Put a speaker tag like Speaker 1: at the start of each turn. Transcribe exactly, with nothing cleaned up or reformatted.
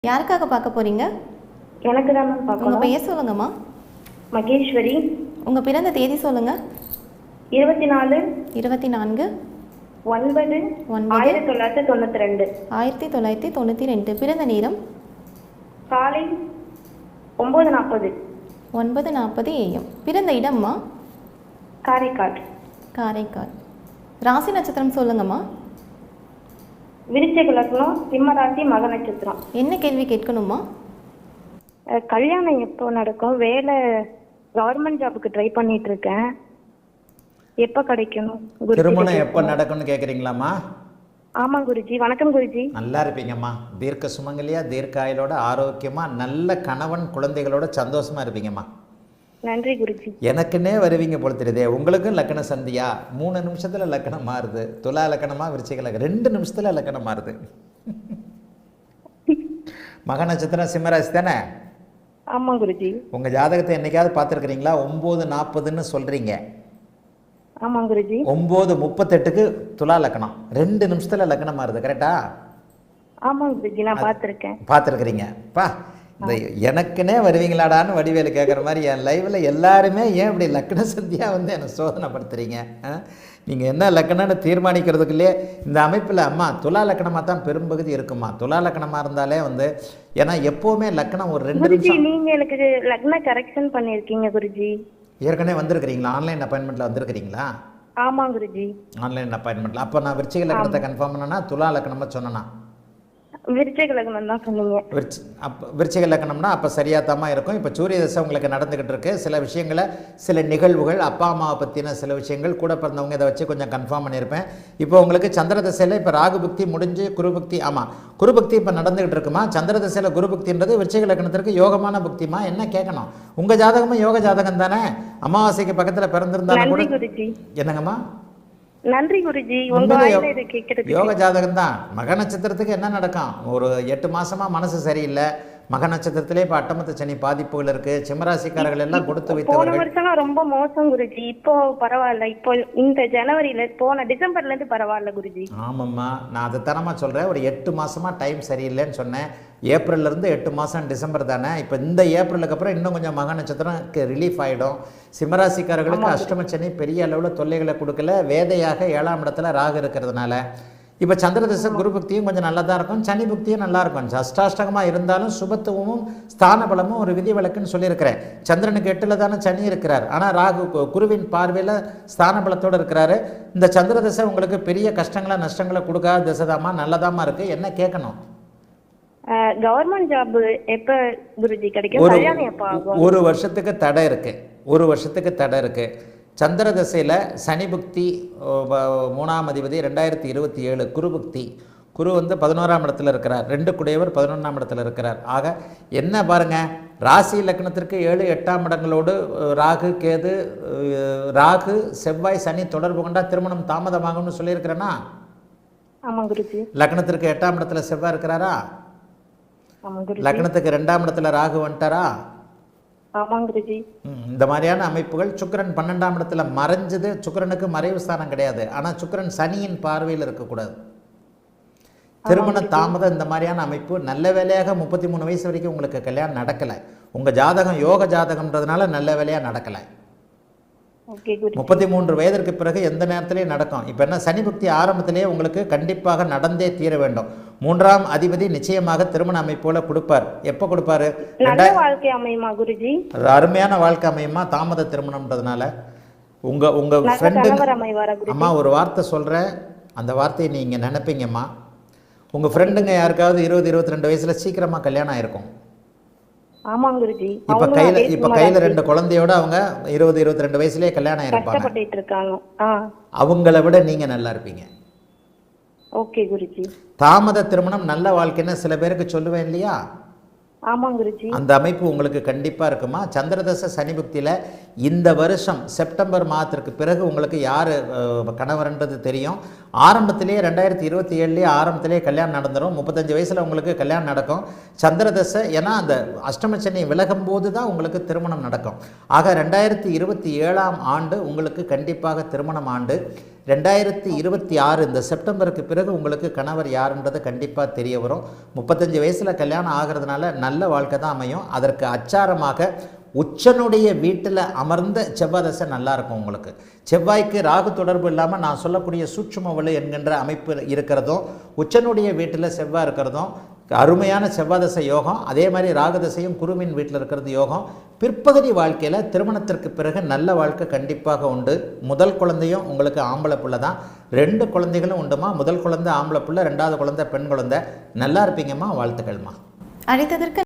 Speaker 1: யாருக்காக பார்க்க போறீங்க?
Speaker 2: எனக்கு தான் மேம் பார்க்கணும்.
Speaker 1: உங்க பெயர் சொல்லுங்கம்மா.
Speaker 2: மகேஸ்வரி.
Speaker 1: உங்க பிறந்த தேதி சொல்லுங்க.
Speaker 2: இருபத்தி நாலு
Speaker 1: இருபத்தி நான்கு
Speaker 2: ஒன்பது ஆயிரத்தி தொள்ளாயிரத்தி தொண்ணூற்றி ரெண்டு
Speaker 1: ஆயிரத்தி தொள்ளாயிரத்தி தொண்ணூற்றி ரெண்டு. பிறந்த நேரம்
Speaker 2: காலை ஒம்பது நாற்பது
Speaker 1: ஒன்பது நாற்பது ஏஎம். பிறந்த இடம்மா
Speaker 2: காரைக்கால்.
Speaker 1: காரைக்கால். ராசி நட்சத்திரம் சொல்லுங்கம்மா.
Speaker 2: விருச்சிக லக்னம், சிம்ம ராசி, மக நட்சத்திரம்.
Speaker 1: என்ன கேள்வி கேட்கணுமா?
Speaker 2: அஹ், கல்யாணம் எப்போ நடக்கும்? வேலை கவர்மெண்ட் ஜாபுக்கு ட்ரை பண்ணிட்டு இருக்கேன். எப்போ கிடைக்கணும் குருஜி?
Speaker 3: திருமணம் எப்போ நடக்கும்னு கேட்குறீங்களாம்மா?
Speaker 2: ஆமாம் குருஜி. வணக்கம் குருஜி.
Speaker 3: நல்லா இருப்பீங்கம்மா. தீர்க்க சுமங்கலியா, தீர்க்க ஆயுளோட, ஆரோக்கியமாக, நல்ல கணவன் குழந்தைகளோட சந்தோஷமாக இருப்பீங்கம்மா.
Speaker 2: நன்றி குருஜி.
Speaker 3: எனக்குன்னே வருவீங்க போல தெரியுதே. உங்களுக்கும் லக்கண சந்தியா மூணு நிமிஷத்தில் லக்கணம் மாறுது. துலா லக்கணமா, விருச்சிக லக்கணம் ரெண்டு நிமிஷத்தில் லக்கணம் மாறுது. மக நட்சத்திரம் சிம்மராசி தானே?
Speaker 2: ஆமாம் குருஜி.
Speaker 3: உங்கள் ஜாதகத்தை என்னைக்காவது பார்த்துருக்குறீங்களா? ஒம்பது நாற்பதுன்னு சொல்கிறீங்க.
Speaker 2: ஆமாம் குருஜி.
Speaker 3: ஒம்பது முப்பத்தெட்டுக்கு துலா லக்கணம் ரெண்டு நிமிஷத்தில் லக்கணம் மாறுது. கரெக்டா?
Speaker 2: ஆமாம் குருஜி, நான் பார்த்துருக்கேன்.
Speaker 3: பார்த்துருக்குறீங்க. பா, இந்த எனக்குன்னே வருவீங்களாடான்னு வடிவேலு கேட்குற மாதிரி என் லைவில் எல்லாருமே ஏன் இப்படி லக்கண சந்தியாக வந்து என்னை சோதனைப்படுத்துறீங்க? நீங்கள் என்ன லக்கணம்னு தீர்மானிக்கிறதுக்குள்ளே இந்த அமைப்பில் அம்மா துலா லக்கணமாக தான் பெரும்பகுதி இருக்குமா. துலா லக்கணமாக இருந்தாலே வந்து ஏன்னா எப்போவுமே லக்கணம் ஒரு ரெண்டு
Speaker 2: குருஜி,
Speaker 3: நிமிஷம்.
Speaker 2: நீங்க எனக்கு லக்ன கரெக்ஷன் பண்ணிருக்கீங்க குருஜி.
Speaker 3: ஏற்கனவே வந்திருக்கிறீங்களா? ஆன்லைன் அப்பாயின்மெண்ட்டில் வந்திருக்கிறீங்களா?
Speaker 2: ஆமாம் குருஜி.
Speaker 3: ஆன்லைன் அப்பாயின்மெண்ட்டில் அப்போ நான் விருச்சிக லக்கணத்தை கன்ஃபார்ம் பண்ணேன்னா துலா லக்கணமாக சொன்னேன்னா?
Speaker 2: விருச்சிக லக்னம் தான் சொன்னீங்க.
Speaker 3: விருச்சி அப்போ விருச்சிக லக்கணம்னா அப்போ சரியாக தாம்மா இருக்கும். இப்போ சூரிய தசை உங்களுக்கு நடந்துக்கிட்டு இருக்கு. சில விஷயங்களை, சில நிகழ்வுகள், அப்பா அம்மாவை பற்றின சில விஷயங்கள், கூட பிறந்தவங்க இதை வச்சு கொஞ்சம் கன்ஃபார்ம் பண்ணியிருப்பேன். இப்போ உங்களுக்கு சந்திர தசையில் இப்போ ராகு பக்தி முடிஞ்சு குருபக்தி, ஆமாம் குருபக்தி இப்போ நடந்துகிட்டு இருக்குமா. சந்திர தசையில் குருபக்தின்றது விருச்சிக லக்கணத்திற்கு யோகமான பக்திமா. என்ன கேட்கணும்? உங்கள் ஜாதகமும் யோக ஜாதகம் தானே? அமாவாசைக்கு பக்கத்தில் பிறந்திருந்தாலும் கூட. என்னங்கம்மா?
Speaker 2: நன்றி குருஜி. உங்க வாயில இதை கேட்கறதுக்கு.
Speaker 3: யோக ஜாதகம் தான். மக நட்சத்திரத்துக்கு என்ன நடக்கும்? ஒரு எட்டு மாசமா மனசு சரியில்லை. மக நட்சத்திரத்திலே இப்போ அட்டமத்து சனி பாதிப்புகள் இருக்கு. சிம்மராசிக்காரர்கள் எல்லாம் கொடுத்து
Speaker 2: போன
Speaker 3: வைத்தவர்கள்.
Speaker 2: வருஷம் ரொம்ப மோசம் குருஜி. இப்போ பரவாயில்ல. இப்போ இந்த ஜனவரியில, போன டிசம்பர்ல இருந்து பரவாயில்ல குருஜி.
Speaker 3: ஆமாம்மா, நான் அதை தரமா சொல்றேன். ஒரு எட்டு மாசமா டைம் சரியில்லைன்னு சொன்னேன். ஏப்ரல்ல இருந்து எட்டு மாசம் டிசம்பர் தானே. இப்போ இந்த ஏப்ரலுக்கு அப்புறம் இன்னும் கொஞ்சம் மக நட்சத்திரம் ரிலீஃப் ஆகிடும். சிம்மராசிக்காரர்களுக்கு அஷ்டம சனி பெரிய அளவில் தொல்லைகளை கொடுக்கல. வேதையாக ஏழாம் இடத்துல ராகு இருக்கிறதுனால இப்போ சந்திர தசை குரு பக்தியும் கொஞ்சம் நல்லா தான் இருக்கும். சனி பக்தியும் நல்லா இருக்கும். அஷ்டாஷ்டகமாக இருந்தாலும் சுபத்துவமும் ஸ்தான பலமும் ஒரு விதி விலக்குன்னு சொல்லியிருக்கிறேன். சந்திரனுக்கு எட்டில் தானே சனி இருக்கிறார். ஆனால் ராகு குருவின் பார்வையில் ஸ்தான பலத்தோடு இருக்கிறாரு. இந்த சந்திர தசை உங்களுக்கு பெரிய கஷ்டங்களை நஷ்டங்களை கொடுக்காத திசைதாம்மா. நல்லதாம்மா இருக்குது. என்ன கேட்கணும்?
Speaker 2: கவர்மெண்ட் ஜாப் எப்ப குருஜி கிடைக்கும்? கல்யாணம் எப்ப ஆகும்?
Speaker 3: ஒரு வருஷத்துக்கு தடை இருக்கு. ஒரு வருஷத்துக்கு தடை இருக்கு. சந்திர தசையில் சனி புக்தி மூணாம் அதிபதி ரெண்டாயிரத்தி இருபத்தி ஏழு குரு புக்தி. குரு வந்து பதினோராம் இடத்துல இருக்கிறார். ரெண்டு குடையவர் பதினொன்றாம் இடத்துல இருக்கிறார். ஆக என்ன பாருங்க, ராசி லக்னத்திற்கு ஏழு எட்டாம் இடங்களோடு ராகு கேது, ராகு செவ்வாய் சனி தொடர்பு கொண்டா திருமணம் தாமதமாகும்னு சொல்லியிருக்கிறேன்னா?
Speaker 2: ஆமாம் குருஜி.
Speaker 3: லக்னத்திற்கு எட்டாம் இடத்துல செவ்வாய் இருக்கிறாரா? லக்னத்துக்கு ரெண்டாம் இடத்துல ராகு வந்துட்டாரா?
Speaker 2: ஆமாம் குருஜி.
Speaker 3: இந்த மாதிரியான அமைப்புகள். சுக்கிரன் பன்னெண்டாம் இடத்துல மறைஞ்சது. சுக்கிரனுக்கு மறைவு ஸ்தானம் கிடையாது. ஆனால் சுக்கிரன் சனியின் பார்வையில் இருக்கக்கூடாது. திருமண தாமதம் இந்த மாதிரியான அமைப்பு. நல்ல வேலையாக முப்பத்தி மூணு வயசு வரைக்கும் உங்களுக்கு கல்யாணம் நடக்கலை. உங்கள் ஜாதகம் யோக ஜாதகம்ன்றதுனால நல்ல வேலையாக நடக்கலை. முப்பத்தி மூன்று வயதிற்கு பிறகு எந்த நேரத்திலையும் நடக்கும். இப்போ என்ன, சனி பக்தி ஆரம்பத்திலேயே உங்களுக்கு கண்டிப்பாக நடந்தே தீர வேண்டும். மூன்றாம் அதிபதி நிச்சயமாக திருமண அமைப்போல கொடுப்பார். எப்போ கொடுப்பாரு? அருமையான வாழ்க்கை அமையுமா. தாமத திருமணம்ன்றதுனால உங்க உங்க ஃப்ரெண்டு அம்மா ஒரு வார்த்தை சொல்றேன், அந்த வார்த்தையை நீங்க நினைப்பீங்கம்மா. உங்க ஃப்ரெண்டுங்க யாருக்காவது இருபது இருபத்தி ரெண்டு வயசுல சீக்கிரமா கல்யாணம் ஆயிருக்கும்.
Speaker 2: ஆமாம் குருஜி.
Speaker 3: இப்ப கையில இப்ப கையில ரெண்டு குழந்தையோட அவங்க இருபது இருபத்தி ரெண்டு வயசுலயே கல்யாணம்
Speaker 2: ஆயிருப்பாங்க.
Speaker 3: அவங்கள விட நீங்க நல்லா இருப்பீங்க.
Speaker 2: ஓகே குருஜி.
Speaker 3: தாமத திருமணம் நல்ல வாழ்க்கைன்னு சில பேருக்கு சொல்லுவேன் இல்லையா?
Speaker 2: ஆமாம் குருஜி.
Speaker 3: அந்த அமைப்பு உங்களுக்கு கண்டிப்பா இருக்குமா. சந்திரதசை சனி புக்தியில இந்த வருஷம் செப்டம்பர் மாதத்திற்கு பிறகு உங்களுக்கு யாரு கணவர்ன்றது தெரியும். ஆரம்பத்திலேயே ரெண்டாயிரத்தி இருபத்தி ஏழுலேயே ஆரம்பத்திலேயே கல்யாணம் நடந்துடும். முப்பத்தஞ்சு வயசில் உங்களுக்கு கல்யாணம் நடக்கும். சந்திரதசை, ஏன்னா அந்த அஷ்டமச்சனி விலகும் போது தான் உங்களுக்கு திருமணம் நடக்கும். ஆக ரெண்டாயிரத்தி இருபத்தி ஏழாம் ஆண்டு உங்களுக்கு கண்டிப்பாக திருமணம் ஆண்டு. ரெண்டாயிரத்தி இருபத்தி ஆறு இந்த செப்டம்பருக்கு பிறகு உங்களுக்கு கணவர் யாருன்றது கண்டிப்பாக தெரிய வரும். முப்பத்தஞ்சு வயசில் கல்யாணம் ஆகிறதுனால நல்ல வாழ்க்கை தான் அமையும். அதற்கு அச்சாரமாக உச்சனுடைய வீட்டில் அமர்ந்த செவ்வாய் தசை நல்லா இருக்கும் உங்களுக்கு. செவ்வாய்க்கு ராகு தொடர்பு இல்லாமல் நான் சொல்லக்கூடிய சூட்சும வலு என்கின்ற அமைப்பு இருக்கிறதும், உச்சனுடைய வீட்டில் செவ்வாய் இருக்கிறதும் அருமையான செவ்வாய் தசை யோகம். அதே மாதிரி ராகுதசையும் குருவின் வீட்டில் இருக்கிறது யோகம். பிற்பகுதி வாழ்க்கையில் திருமணத்திற்கு பிறகு நல்ல வாழ்க்கை கண்டிப்பாக உண்டு. முதல் குழந்தையும் உங்களுக்கு ஆம்பளை பிள்ளை தான். ரெண்டு குழந்தைகளும் உண்டுமா. முதல் குழந்தை ஆம்பளை பிள்ளை, ரெண்டாவது குழந்தை பெண் குழந்தை. நல்லா இருப்பீங்கம்மா. வாழ்த்துக்கள்மா.
Speaker 1: அழைத்ததற்கு